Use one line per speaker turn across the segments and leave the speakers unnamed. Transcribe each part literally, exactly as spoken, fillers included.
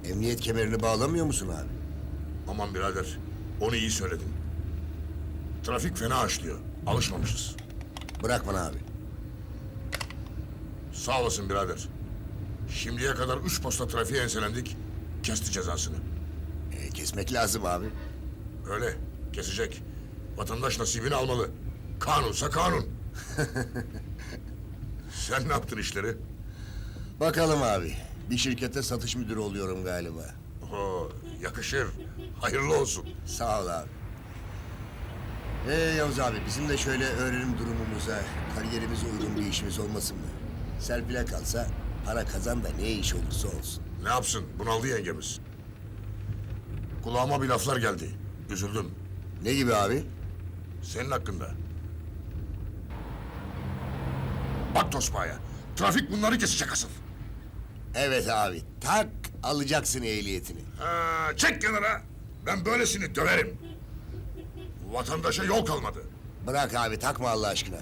Emniyet kemerini bağlamıyor musun abi?
Aman birader, onu iyi söyledin. Trafik fena açlıyor, alışmamışız.
Bırak bana abi.
Sağ olasın birader. Şimdiye kadar üç posta trafiğe enselendik, kesti cezasını.
E, kesmek lazım abi.
Öyle, kesecek. Vatandaş nasibini almalı. Kanunsa kanun. Sen ne yaptın işleri?
Bakalım abi. Bir şirkete satış müdürü oluyorum galiba.
Oo, yakışır. Hayırlı olsun.
Sağ ol abi. Ee Yavuz abi, bizim de şöyle öğrenim durumumuza, kariyerimize uygun bir işimiz olmasın mı? Serpil'e kalsa para kazan da ne iş olursa olsun.
Ne yapsın? Bunaldı yengemiz. Kulağıma bir laflar geldi. Üzüldüm.
Ne gibi abi?
Senin hakkında. Bak Tosbağa'ya. Trafik bunları kesecek asıl.
Evet abi, tak alacaksın ehliyetini.
Ha, çek kenara. Ben böylesini döverim. Vatandaşa yol kalmadı.
Bırak abi, takma Allah aşkına.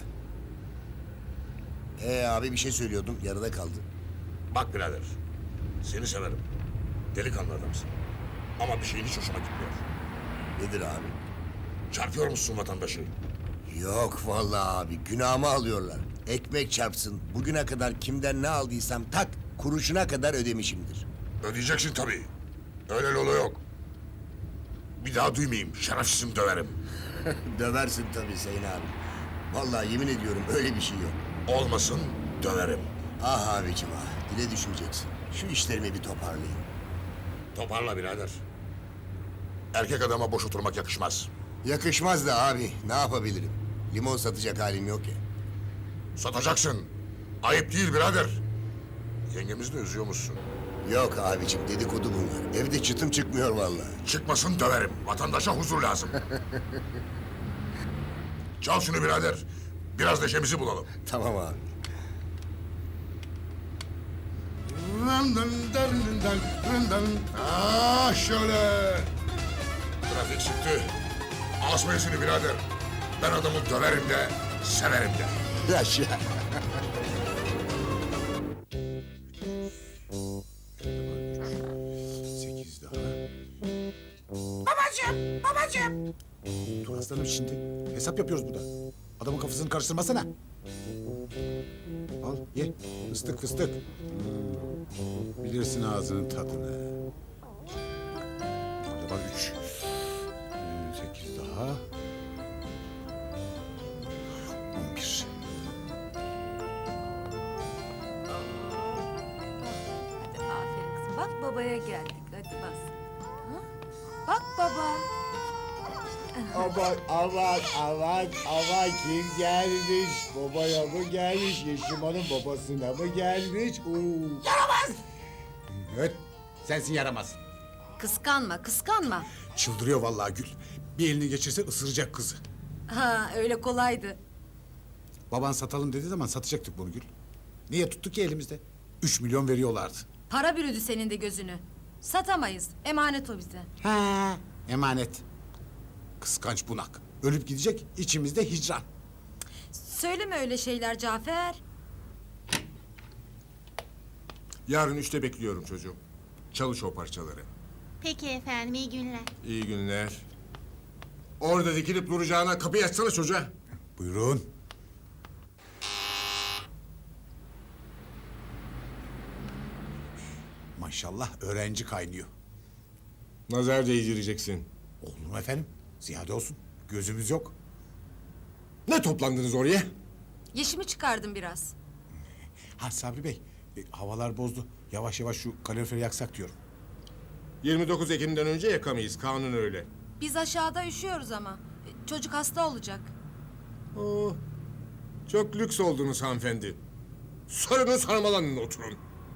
Ee abi bir şey söylüyordum, yarıda kaldı.
Bak birader. Seni severim. Delikanlı adamsın. Ama bir şeyin hiç hoşuma gitmiyor.
Nedir abi?
Çarpıyor musun vatandaşı?
Yok vallahi abi, günahımı alıyorlar. Ekmek çarpsın, bugüne kadar kimden ne aldıysam tak, kuruşuna kadar ödemişimdir.
Ödeyeceksin tabii. Öyle lolo yok. Bir daha duymayayım. Şerefsizim döverim.
Döversin tabii Sayın abi. Vallahi yemin ediyorum öyle bir şey yok.
Olmasın döverim.
Ah abicim ah, dile düşmeyeceksin. Şu işlerimi bir toparlayayım.
Toparla birader. Erkek adama boş oturmak yakışmaz.
Yakışmaz da abi, ne yapabilirim? Limon satacak halim yok ya.
Satacaksın. Ayıp değil birader. Yengemizi de üzüyormuşsun.
Yok abicim, dedikodu bunlar. Evde çıtım çıkmıyor vallahi.
Çıkmasın döverim. Vatandaşa huzur lazım. Çal şunu birader. Biraz neşemizi bulalım.
Tamam abi.
Ah şöyle. Trafik çıktı. Asmayın seni birader. Ben adamı döverim de, severim de.
Yaşa.
Sekiz daha.
Babacığım, babacığım.
Dur aslanım şimdi. Hesap yapıyoruz burada. Adamın kafasını karıştırmasana. Al ye. Fıstık fıstık. Hmm, bilirsin ağzının tadını. Burada var üç. Hmm, sekiz daha. On bir.
Hadi aferin kızım. Bak babaya geldik. Hadi bas. Ha? Bak baba.
Aman aman aman aman kim gelmiş? Babaya mı gelmiş? Yeşim Hanım babasına mı gelmiş? Oo.
Evet. Sensin yaramaz.
Kıskanma, kıskanma.
Çıldırıyor vallahi Gül. Bir elini geçirse ısıracak kızı.
Ha, öyle kolaydı.
Baban satalım dediği zaman satacaktık bunu Gül. Niye tuttuk ki elimizde? Üç milyon veriyorlardı.
Para bürüdü senin de gözünü. Satamayız. Emanet o bize.
Ha, emanet. Kıskanç bunak. Ölüp gidecek, içimizde hicran.
Söyleme öyle şeyler Cafer.
Yarın üçte bekliyorum çocuğum. Çalış o parçaları.
Peki efendim, iyi günler.
İyi günler. Orada dikilip duracağına kapıyı açsana çocuğa.
Buyurun. Maşallah öğrenci kaynıyor.
Nazar değdireceksin.
Olur mu efendim? Ziyade olsun. Gözümüz yok.
Ne toplandınız oraya?
Yeşimi çıkardım biraz.
Ha Sabri Bey, e, havalar bozdu. Yavaş yavaş şu kaloriferi yaksak diyorum.
yirmi dokuz Ekim'den önce yakamayız. Kanun öyle.
Biz aşağıda üşüyoruz ama. E, Çocuk hasta olacak.
Oh, çok lüks oldunuz hanımefendi. Sarının sarmalanın oturun.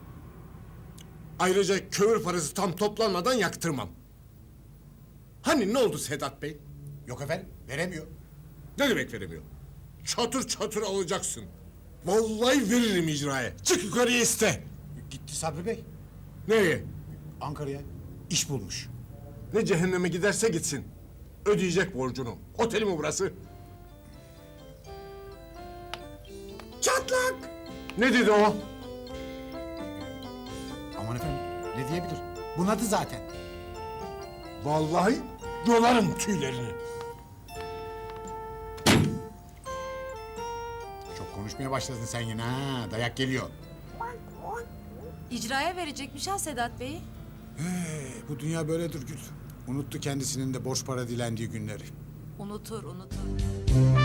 Ayrıca kömür parası tam toplanmadan yaktırmam. Hani ne oldu Sedat Bey?
Yok efendim, veremiyor.
Ne demek veremiyor? Çatır çatır alacaksın. Vallahi veririm icraya. Çık yukarıya iste.
Gitti Sabri Bey.
Nereye?
Ankara'ya iş bulmuş.
Ne cehenneme giderse gitsin. Ödeyecek borcunu. Oteli mi burası? Çatlak! Ne dedi o?
Aman efendim, ne diyebilir? Bunadı zaten.
Vallahi yolarım tüylerini.
Çok konuşmaya başladın sen yine ha. Dayak geliyor.
İcraya verecekmiş ha Sedat Bey'i.
Ee, bu dünya böyledir Gül. Unuttu kendisinin de borç para dilendiği günleri.
Unutur, unutur.